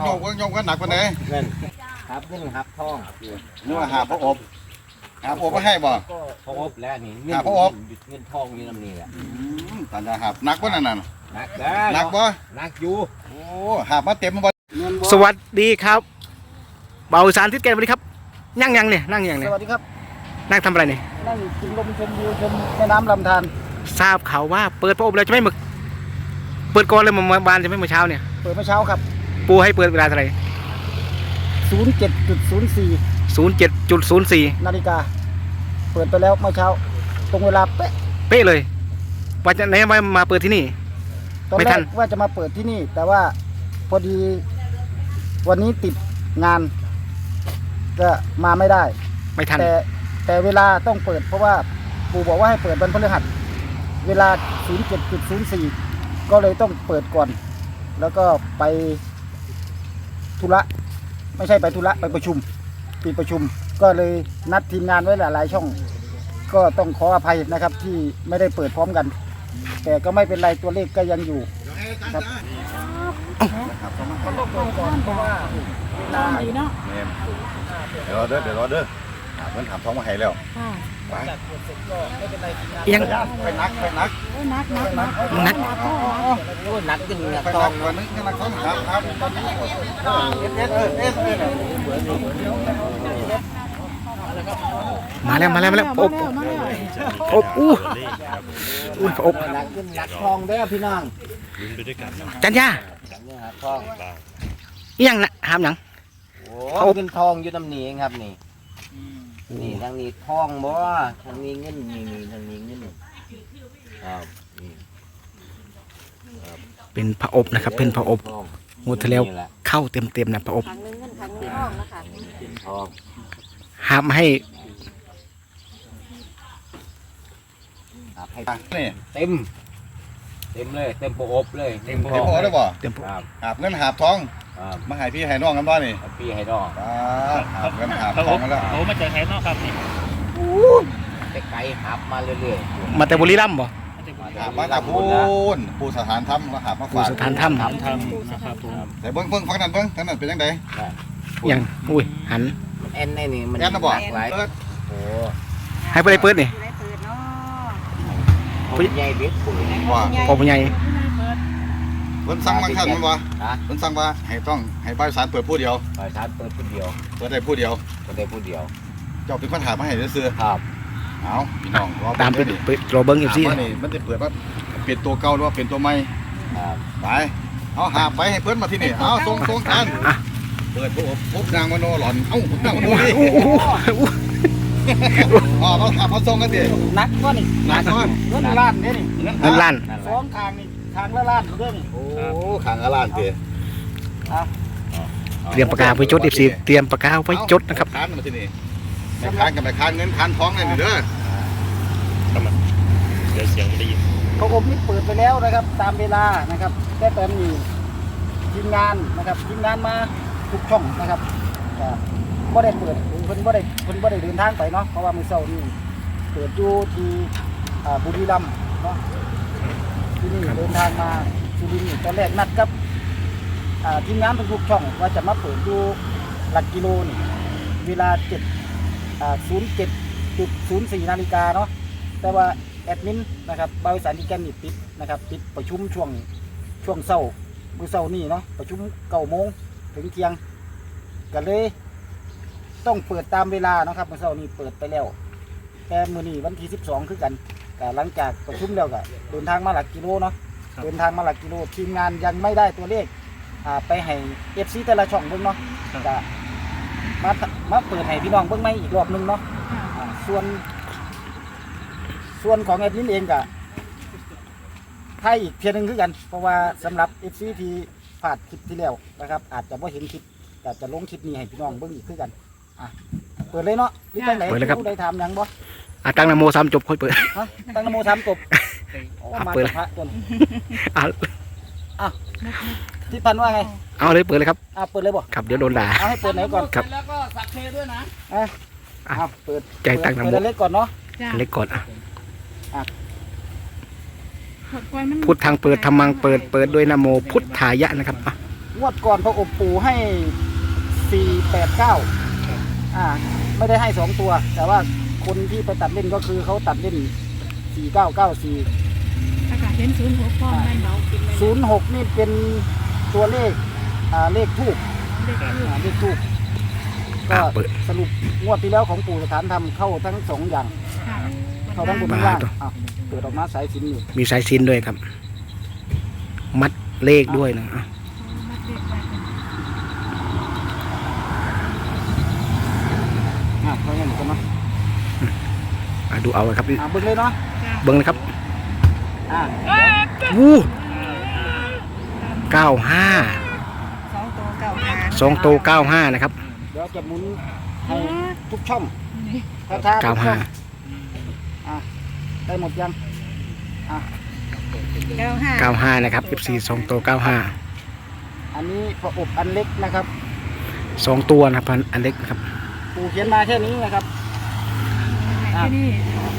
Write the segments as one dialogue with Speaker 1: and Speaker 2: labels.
Speaker 1: โยมก็หนักกว่าไหน
Speaker 2: เงินครับเงินครับทอง
Speaker 1: นึกว่าหาพระอบหาพระอบมาให้บ่
Speaker 2: ก็พอบแล้วนี่เงินเงินทองอยู่ลำนี้แหละ
Speaker 1: ตันจะหาหนักกว่านั่นน่ะ
Speaker 2: หนัก
Speaker 1: หนักบ่
Speaker 2: หนักอยู่
Speaker 1: โอ้หามาเต็มบ่
Speaker 3: สวัสดีครับเบาสารทิศแกนสวัสดีครับนั่งยังเนี่ยนั่งยัง
Speaker 4: ส
Speaker 3: เนี่ย
Speaker 4: วัสดีครับ
Speaker 3: นั่งทำอะไรเนี่ย
Speaker 4: นั่งกินลมชมวิวชมแม่น้ำลำธาร
Speaker 3: ทราบข่าวว่าเปิดพระอบแล้วใช่ไหมมึกเปิดก่อนเลยเมื่อวานใช่ไหมเมื่อเช้าเนี่ย
Speaker 4: เปิดเมื่อเช้าครับ
Speaker 3: ปูให้เปิดเวลาเท่าไหร่
Speaker 4: 07.04
Speaker 3: 07.04
Speaker 4: นาฬิกาเปิดไปแล้วเมื่อเช้าตรงเวลาเป๊ะ
Speaker 3: เป๊ะเลยว่าจะไหนมาเปิดที่นี่
Speaker 4: ตอน
Speaker 3: ไม่
Speaker 4: แร
Speaker 3: ทั
Speaker 4: ก
Speaker 3: น
Speaker 4: ว่าจะมาเปิดที่นี่ แต่ว่าพอดีวันนี้ติดงานก็มาไม่ได้
Speaker 3: ไม่ทัน
Speaker 4: แต่เวลาต้องเปิดเพราะว่าปู่บอกว่าให้เปิดวันพฤหัสเวลา 07.04 ก็เลยต้องเปิดก่อน แล้วก็ไปธุระไม่ใช่ไปธุระไปประชุมปิดประชุม ก็เลยนัดทีมงานไว้หลายๆช่อง ก็ต้องขออภัยนะครับที่ไม่ได้เปิดพร้อมกัน แต่ก็ไม่เป็นไรตัวเลขก็ยังอยู่ครับมันต้องเปิดก่อนเพราะว่าเวลา
Speaker 1: เดี๋ยวรอเด้อหาเงินถามท้องมาให้แล้วไป
Speaker 4: จากเปิดเสร็จก็ไม่เป็นไรทีมงาน
Speaker 3: ยัง
Speaker 1: ไปนัก
Speaker 3: นัก
Speaker 2: โอ้หนักจนหนัก
Speaker 1: ไป
Speaker 2: ทอ
Speaker 1: นั
Speaker 2: ง
Speaker 1: กวันนึงนักท้องครับตอนนี้
Speaker 3: มาแล้วพระอบพระอบอู้พระอบ
Speaker 2: หนักจนหนักทองได้พี่น้อง
Speaker 3: จันยา
Speaker 2: เงินครับทอง
Speaker 3: ยังนะหามยัง
Speaker 2: โอ้เงินทองอยู่ลำนี้เองครับนี่นี่ทางนี้ทองบ่ทางนี้เงินนี่ทางนี้เงินครับนี่
Speaker 3: เป็นพระอบนะครับเป็นพระอบ
Speaker 2: ทอง
Speaker 3: งวดที่แล้วเข้าเต็มนะพระอบ
Speaker 5: ถังนึงเงินถังนึงทองนะคะ
Speaker 2: เป็นทอง
Speaker 3: หามให้
Speaker 2: ครับให้
Speaker 1: นี่
Speaker 2: เต็มเลยเต็มโปอบเลยเต็มท
Speaker 1: เดี๋
Speaker 2: อ
Speaker 1: ยว
Speaker 2: ง
Speaker 1: พอได้บ่
Speaker 3: เต็ม
Speaker 2: ครับ
Speaker 1: หาเงินหาท้อง
Speaker 2: ครับ
Speaker 1: มาให้พี่ให้น้องกันบ่นี่
Speaker 2: พี่ให้ดอก
Speaker 1: หาเงินหาท้องมาแล้ว
Speaker 6: เขามาจากไหนเนาะครับนี่
Speaker 2: แต่ไกลหับมาเรื่อยๆ
Speaker 3: มาแต่บุรีรัมย์บ่
Speaker 1: หามาจากพูนปูสถานธรรมแล้วหามา
Speaker 3: ปู
Speaker 1: ฝาก
Speaker 3: สถานถ้
Speaker 6: ทำนะครับผม
Speaker 1: แต่เบิ้งฟังนั้นเบิ้งทางนั้นเป็นยังไง
Speaker 3: ำยังอุ้ยหัน
Speaker 2: เอ็นนี่มัน
Speaker 1: แอนนะบ่
Speaker 2: หลาย
Speaker 1: เปิด
Speaker 2: โอ้
Speaker 3: ให้ไปเลยเปิดนี่
Speaker 5: ได้เปิดเนาะ
Speaker 2: ผู้ใหญ่เบ็ดผู้ใหญ่
Speaker 1: ว่า
Speaker 3: พอผู้ใหญ่
Speaker 1: เพิ่นสั่งบางท่านมันว่า
Speaker 2: ฮะ
Speaker 1: เพิ่นสั่งว่าให้ต้องให้บริษัทเปิดผู้เดียว
Speaker 2: บริษัทเปิดผู้เดียว
Speaker 1: เปิดได้ผู้เดียว
Speaker 2: ก็ได้ผู้เดียว
Speaker 1: เจ้าเป็นคนหามาให้ซื้อ
Speaker 2: ครับ
Speaker 1: เอาพี่น้องรอ
Speaker 3: ตามไป
Speaker 1: ดิ
Speaker 3: ไปรอเบิ้งเอฟซี
Speaker 1: ถามว่านี่มันจะเปิดว่าเปลี่ยนตัวเก่าหรือว่าเปลี่ยนตัวใหม่
Speaker 2: ครับ
Speaker 1: ไปเอาหาไปให้เพิ่นมาที่นี่เอาส่งทานเปิดพบนางมโนหลอนเอ้านางมโนนี่อ๋อเขาหาเขาส่งกันดิ
Speaker 4: นักก็นี่
Speaker 1: หนักเนาะ
Speaker 4: เงินล้านเนี่ยนี่
Speaker 3: เงินล้าน
Speaker 2: นั่นแห
Speaker 4: ส
Speaker 2: ละ
Speaker 4: องทางนี่ทางละล้านเรื่องนี่
Speaker 1: โอ้ขังอลานเตะ
Speaker 3: เตรียมปากกาไว้จดเอฟซีเตรียมปากกาไว้จดนะครับ
Speaker 1: ค้านมาที่นี่ไม่ค้านกับไม่ค้านเงินค้านท้องเลยนี่เด้อ
Speaker 6: เดี๋ยวเสียงไม่ได้ยิน
Speaker 4: พระอบนี่เปิดไปแล้วนะครับ ตามเวลานะครับแต่ตอนนี้ทีมงานนะครับทีมงานมาทุกช่องนะครับก็ได้เปิดเพิ่นบ่ได้เดินทางไปเนาะเพราะว่ามื้อเช้านี่เปิดอยู่ที่บุรีรัมย์เนาะที่นี่เดินทางมาสุรินทร์ตอนแรกนัดกับทีมงานทุกๆช่องว่าจะมาเปิดอยู่หลักกิโลนี่เวลา07.04 นาฬิกาเนาะแต่ว่าแอดมินนะครับบริษัทที่แกนนี่ติดนะครับติดประชุมช่วงเช้ามื้อเช้านี่เนาะประชุม9 โมงถึงเที่ยงก็เลยต้องเปิดตามเวลาเนาะครับมื้อเช้านี้เปิดไปแล้วแต่มื้อนี้วันที่12คือกันก็หลังจากประชุมแล้วก็เดินทางมาหลักกิโลเนาะเดินทางมาหลักกิโลทีมงานยังไม่ได้ตัวเลขไปให้ FC แต่ละช่องเบิ่งเนาะก็มาเปิดให้พี่น้องเบิ่งใหม่อีกรอบนึงเนาะส่วนของแอดมินเองก็ให้อีกเพียงนึงคือกันเพราะว่าสำหรับ FC ที่พลาดคลิปที่แล้วนะครับอาจจะบ่เห็นคลิปแต่จะลงคลิปนี้ให้พี่น้องเบิ่งอีกคือกันเปิดเลยเนาะนี่ตั้งไหนผู้ใดถามยังบ่
Speaker 3: ตั้งนโมสามจบค่อยเปิด
Speaker 4: ฮะตั้งนโมสามจบโอ้มา
Speaker 3: เปิด
Speaker 4: จากพระตัวนี้
Speaker 3: เอา
Speaker 4: ที่พันว่าไง
Speaker 3: เอาเลยเปิดเลยครับ
Speaker 4: เปิดเลยบ่
Speaker 3: ครับเดี๋ยวโดนด่า
Speaker 4: เอาให้เปิดไหนก่อน
Speaker 3: ครับ
Speaker 4: แล้วก็สักเคด้วยนะเปิด
Speaker 3: ใจตั้งนโม
Speaker 4: เปิดเล็กก่อนเนาะ
Speaker 3: เล็กก่อนอ่ะ
Speaker 5: ปล่อยมัน
Speaker 3: พุทธังเปิดธรรมังเปิดด้วยนโมพุทธายะนะครับ
Speaker 4: งวดก่อนพระอบปู่ให้489ไม่ได้ให้2ตัวแต่ว่าคนที่ไปตัดเล่นก็คือเขาตัดเล่น4994
Speaker 7: อากาศเห็น06พ่อไม่เมากินเลย
Speaker 4: 06นี่เป็นตัวเลขเลขทูบ
Speaker 7: เด็กคือ
Speaker 4: เลขทูบก็สรุปงวดที่แล้วของปู่สถานธรรมเข้าทั้ง2อย่าง
Speaker 7: ค่ะ
Speaker 4: เข้าทั้งบนทั้งล่างเปิดออกมาสายสิญจน์อยู่
Speaker 3: มีสายสิญจน์ด้วยครับ มัดเลขด้วยนะอ่ะ
Speaker 7: มัดเด็กไปกัน
Speaker 4: เพราะงั้นก็มา
Speaker 3: ดูเอาเลยครับ
Speaker 4: เบิ่งเลยเนาะ
Speaker 3: เบิ้งเลยครับ
Speaker 4: อ่า
Speaker 3: วู้95 2ตัว95นะครับ
Speaker 4: เดี๋ยวจะหมุนให้ทุกช่อง
Speaker 7: นี่
Speaker 4: ช้าๆทุกช่อง
Speaker 3: 95
Speaker 4: ได้หมดยัง
Speaker 3: 95นะครับ FC 2ตัว95
Speaker 4: อันนี้พระอบอันเล็กนะครับ
Speaker 3: 2ตัวนะครับอันเล็กนะครับ
Speaker 4: ปู่เขียนมาแค่นี้นะครับ
Speaker 7: ที่นี่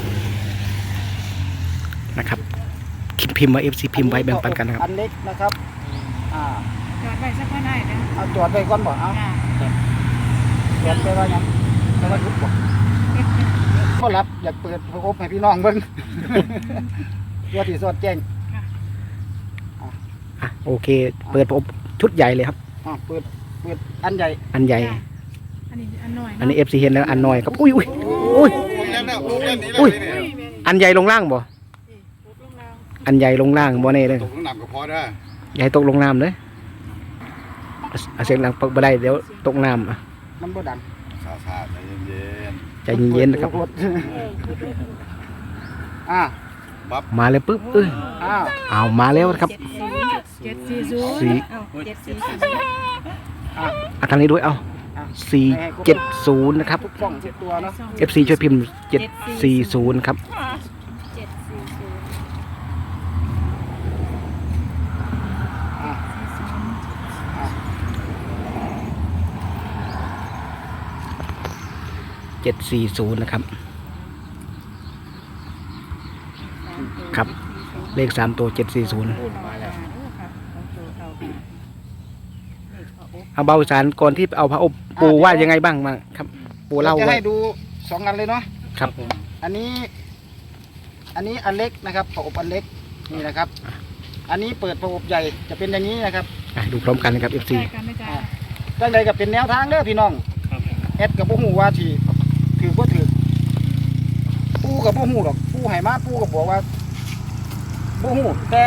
Speaker 3: นะครับพิมพ์มา FC พิมพ์ไว้แบ่งปันกันนะครับ
Speaker 4: อันเล็กนะครับ
Speaker 7: จอดไว้สักก็ได้นะ
Speaker 4: เอาจอดไปก่อนบ่เอา
Speaker 7: ค่ะ
Speaker 4: จอดไปว่าหยังไปว่ายุบบ่ก็รับอยากเปิดพระอบให้พี่น้องเบิ่ง เพื่อที่สอดแจ้ง
Speaker 3: โอเค เปิดผมชุดใหญ่เลยครับ
Speaker 4: เปิดอันใหญ่
Speaker 3: อันใหญ่
Speaker 7: อันนี้อันหน่อย
Speaker 3: อันนี้ FC เห็นแล้วอันน้อยครับอุ้ยอุ้ยอุ้ย อุ้ย อันใหญ่ลงล่างบ่อันใหญ่ลงล่างบ่แน่เลย
Speaker 1: ตกน้ำก็พอได้
Speaker 3: อย่าให้ตกลงน้ำเลยเสียงดังปักบ่ได้เดี๋ยวตกน้ำ
Speaker 4: มันบ่ดัง
Speaker 1: ซาๆใจเย็น
Speaker 3: ใจเย็นๆนะครับ
Speaker 4: ๆ
Speaker 3: มาเลยปุ๊บเอามาแล้วนะครับ
Speaker 7: 740
Speaker 3: สี่ ทางนี้ด้วยเอา470นะครับ
Speaker 4: ทุกช่องทุกตัวเนาะ
Speaker 3: FC ช่วยพิมพ์740ครับ 740นะครับครับ เลข3ตัว740เอาเบาสารก่อนที่เอาพระอบปูว่ายังไงบ้างมาครับ ปูเล่า
Speaker 4: จะ
Speaker 3: ไว้
Speaker 4: ให้ดู2อันเลยเนาะ
Speaker 3: ครับ
Speaker 4: อันนี้อันเล็กนะครับพระอบอันเล็กนี่นะครับ อันนี้เปิดพระอบใหญ่จะเป็นอย่างนี้นะครับ
Speaker 3: ดูพร้อมกันนะครับ FC
Speaker 7: ใกล้กันไหมจ๊ะ
Speaker 4: ตั้งใจกับเป็นแนวทางเด้อพี่น้อง
Speaker 6: ครับ
Speaker 4: แอดกับบ่ฮู้ว่าที่ถือบ่ถือปู่กับบ่ฮู้หรอกปู่ให้มาปู่ก็บอกว่าบ่ฮู้แต่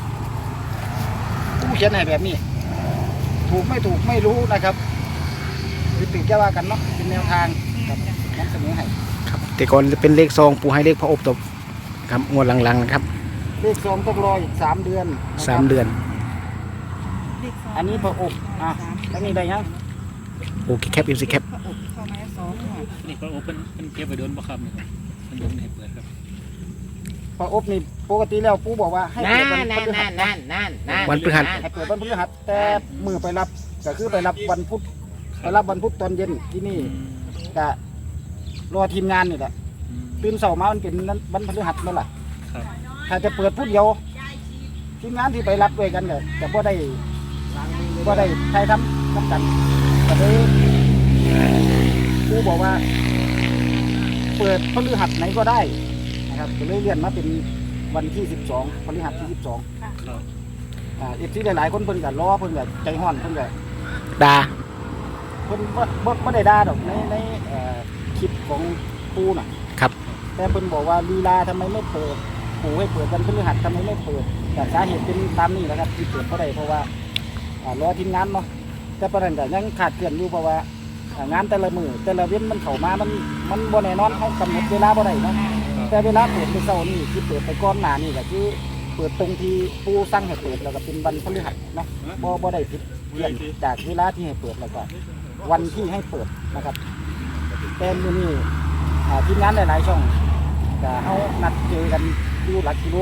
Speaker 4: ปู่เขียนให้แบบนี้ ถูกไม่ถูกไม่รู้นะครับคือตื่นแค่ว่ากันเนาะเป็นแนวทางครับนำเสนอให้
Speaker 3: ครับแต่ก่อนจะเป็นเลขซองปูให้เลขพระอบตบครับงวดหลังๆนะครับ
Speaker 4: เลข2ต้องรออีก3เดือนนะครับ
Speaker 3: 3 เดือน
Speaker 4: อันนี้พระอบแล้วนี่ได้ยัง
Speaker 3: โอเคแคป FC แคป
Speaker 6: นี่ก็โอเพิ่นเก็บไว้โดนบ่ครับนี่มันโดนให้เปิดครับ
Speaker 4: พระอบนี่ปกติแล้วปู่บอกว่าให้เปิดวันพฤหัส
Speaker 3: วันพฤหัส
Speaker 4: ให้เปิดวันพฤหัสแต่มือไปรับก็คือไปรับวันพุธไปรับวันพุธตอนเย็นที่นี่ก็รอทีมงานนี่แหละตื่นเช้ามามันเป็นวันพฤหัสแล้วล่ะ
Speaker 6: ครับ
Speaker 4: ถ้าจะเปิดพุธเดียวทีมงานที่ไปรับด้วยกันก็จะบ่ได้ใช้ทำกันก็เลยปู่บอกว่า เปิดพฤหัสไหนก็ได้นะครับก็เลยเลื่อนมาเป็นวันที่12พฤหัสที่12
Speaker 6: ครับ
Speaker 4: ที่หลายๆคนเพิ่นก็รอเพิ่นก็ใจฮ้อนเพิ่นก็
Speaker 3: ดา
Speaker 4: เพิ่นบ่ได้ด่าดอกในคลิปของปูน่ะ
Speaker 3: ครับ
Speaker 4: แต่เพิ่นบอกว่าลีลาทำไมไม่เปิดปูให้เปิดวันพฤหัสทำไมไม่เปิดแต่สาเหตุเป็นตามนี้แหละครับที่เปิดบ่ได้เพราะว่ารอทีมงานเนาะแต่ประเด็นก็ยังขาดเกลื่อนอยู่เพราะว่างานแต่ละมื้อแต่ละเว้นมันเข้ามามันบ่แน่นอนเฮากำหนดเวลาบ่ได้เนาะแต่เวลาเปิดเป็นเช้านี่ที่เปิดไปก่อนหน้านี่ก็คือเปิดตรงที่ปูสั่งให้เปิดแล้วก็เป็นวันพฤหัสเนาะบ่ได้ผิดเลื่อนจากเวลาที่ให้เปิดแล้วก็วันที่ให้เปิดนะครับแต่มื้อนี้ทีมงานหลายๆช่องก็เฮานัดเจอกันอยู่หลักกิโล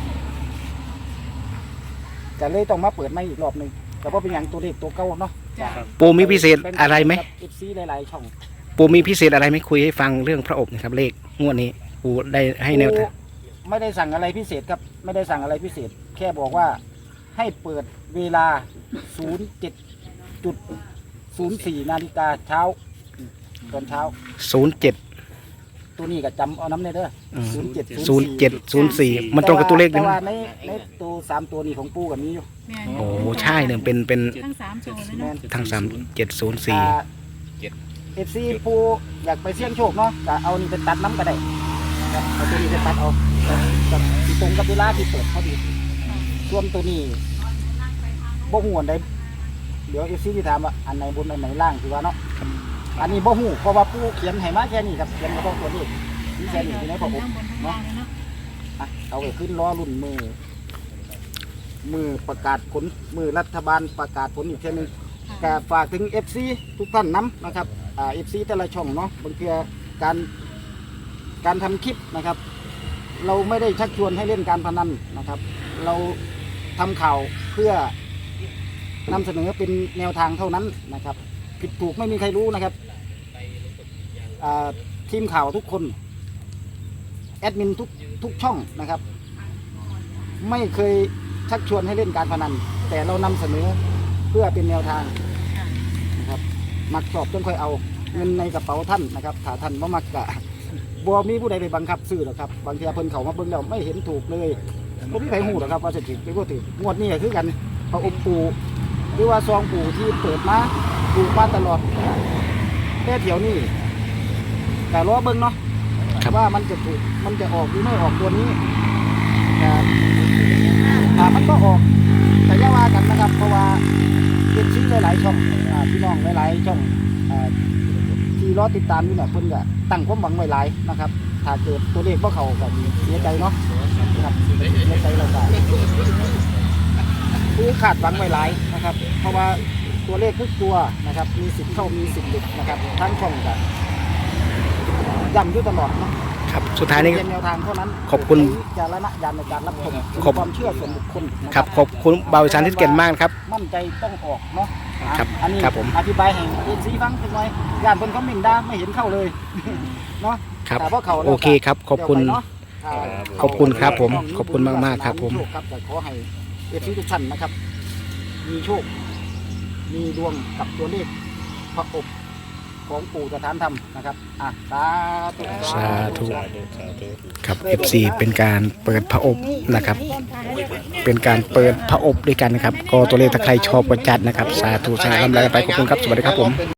Speaker 4: ก็เลยต้องมาเปิดใหม่อีกรอบหนึงแต่ว่าเป็นอย่างตัวเลขตัวเก่าเนาะ
Speaker 3: ปูมีพิเศษอะไรไหม
Speaker 4: FC หลายๆช่อง
Speaker 3: ปูมีพิเศษอะไรไหมคุยให้ฟังเรื่องพระอบนะครับ เลขงวดนี้ปูได้ให้แนวทาง
Speaker 4: ไม่ได้สั่งอะไรพิเศษครับไม่ได้สั่งอะไรพิเศษ แค่บอกว่าให้เปิดเวลา 07.04 นาฬิกาเช้าตอนเช้า
Speaker 3: 07
Speaker 4: ตัวนี้ก็จำเอาน้ำในเด้อ
Speaker 3: 0704มันตรงกับตัวเลข
Speaker 4: แต่
Speaker 3: นี่
Speaker 4: ว่าในตัว3ตัวนี้ของปูกับนี้อยู่
Speaker 7: แม่น
Speaker 3: โอ้ใช่เนี่ยเป็น
Speaker 7: ทั้ง3ตัวเลย
Speaker 4: แม่
Speaker 7: เนาะ
Speaker 4: น
Speaker 3: ทั้ง3704
Speaker 4: FC ปูอยากไปเสี่ยงโชคเนาะก็เอานี่ไปตัดน้ำก็ได้นะครับเอาตัวนี้ไปตัดเอากับที่ตรงกับเวลาที่เปิดพอดีส่วนตัวนี้บ่ฮู้อันใดเดี๋ยว FC ที่ถามว่าอันไหนบนอันไหนล่างคือว่าเนาะอันนี้บ่ฮู้เพราะว่าปูเขียนให้มาแค่นี้ครับเขียนมาบอกตัวนี้นี่แค่นี้ที่ไหนพอผม
Speaker 7: ทั้งบนทั้งล่างเลยเนาะ
Speaker 4: อ่ะเอาไปขึ้นล้อรุ่นมือประกาศผลมือรัฐบาลประกาศผลอีกเท่านึงก็ฝากถึง FC ทุกท่านน้ำนะครับFC แต่ละช่องเนาะบางทีการทำคลิปนะครับ เราไม่ได้ชักชวนให้เล่นการพนันนะครับ เราทำข่าวเพื่อนำเสนอเป็นแนวทางเท่านั้นนะครับ ผิดถูกไม่มีใครรู้นะครับทีมข่าวทุกคนแอดมินทุกช่องนะครับ ไม่เคยชักชวนให้เล่นการพนันแต่เรานำเสนอเพื่อเป็นแนวทางนะครับมักชอบจนค่อยเอาเงินในกระเป๋าท่านนะครับถ้าท่านบ่มักกะบ่มีผู้ใดไปบังคับซื้อหรอกครับบางทีเพิ่นเขามาเบิ่งแล้วไม่เห็นถูกเลยบ่มีใครฮู้หรอกครับว่าจะถูกหรือบ่ถูกงวดนี้ก็คือกันพระอมปู่หรือว่าซองปู่ที่เปิดมาถูกมาตลอดแต่เที่ยวนี้แต่รอเบิ่งเนาะว่ามันจะถูกมันจะออกหรือไม่ออกตัวนี้แต่มันก็ออกแต่อย่าว่ากันนะครับเพราะว่าเป็นชื่อหลายๆช่องพี่น้องหลายๆช่องที่รอติดตามอยู่เนี่ยเพิ่นก็ตั้งความหวังไว้หลายนะครับถ้าเกิดตัวเลขบ่เข้าก็เสียใจเนาะนะครับเสียใจเราก็คือขาดหวังไว้หลายนะครับเพราะว่าตัวเลขทุกตัวนะครับมีสิทธิ์เข้ามีสิทธิ์หลุดนะครับทั้งช่องก็ย้ำอยู่ตลอดเนาะ
Speaker 3: ครับสุดท้ายนี้
Speaker 4: เป็นแนวทางเท่านั้น
Speaker 3: ขอบคุณ
Speaker 4: ใช้วิจารณญาณในการรับชมเป็นความเชื่อส่วนบุคคลนะ
Speaker 3: ค
Speaker 4: ค
Speaker 3: รั
Speaker 4: รั
Speaker 3: บบ ขอบคุณบ่าวอีสานที่เก่งมากครับ
Speaker 4: มั่นใจต้องออกเนาะ
Speaker 3: ครับ
Speaker 4: อันนี้
Speaker 3: ครับผม
Speaker 4: อธิบายให้เอ็นซีฟังเป็นไงย่านเพิ่นคอมเมนต์ด่าไม่เห็นเข้าเลยเนาะ
Speaker 3: ครับ
Speaker 4: แต่ว่าเขาแล้ว
Speaker 3: โอเคครับขอบคุณ
Speaker 4: เดี๋ยวไปเนาะ
Speaker 3: ขอบคุณครับผมขอบคุณมากๆครับผม
Speaker 4: โชครับแต่ขอให้เอฟซีทุกท่านนะครับ มีโชค มีดวงกับตัวเลขพระอบของปู่สถานธรรมนะครับสาธุ
Speaker 3: สาธุครับ FC เป็นการเปิดพระอบนะครับ เป็นการเปิดพระอบด้วยกันนะครับ ก็ตัวเลขถ้าใครชอบก็จัดนะครับ สาธุสาธุลำลาไปขอบคุณครับสวัสดีครับผม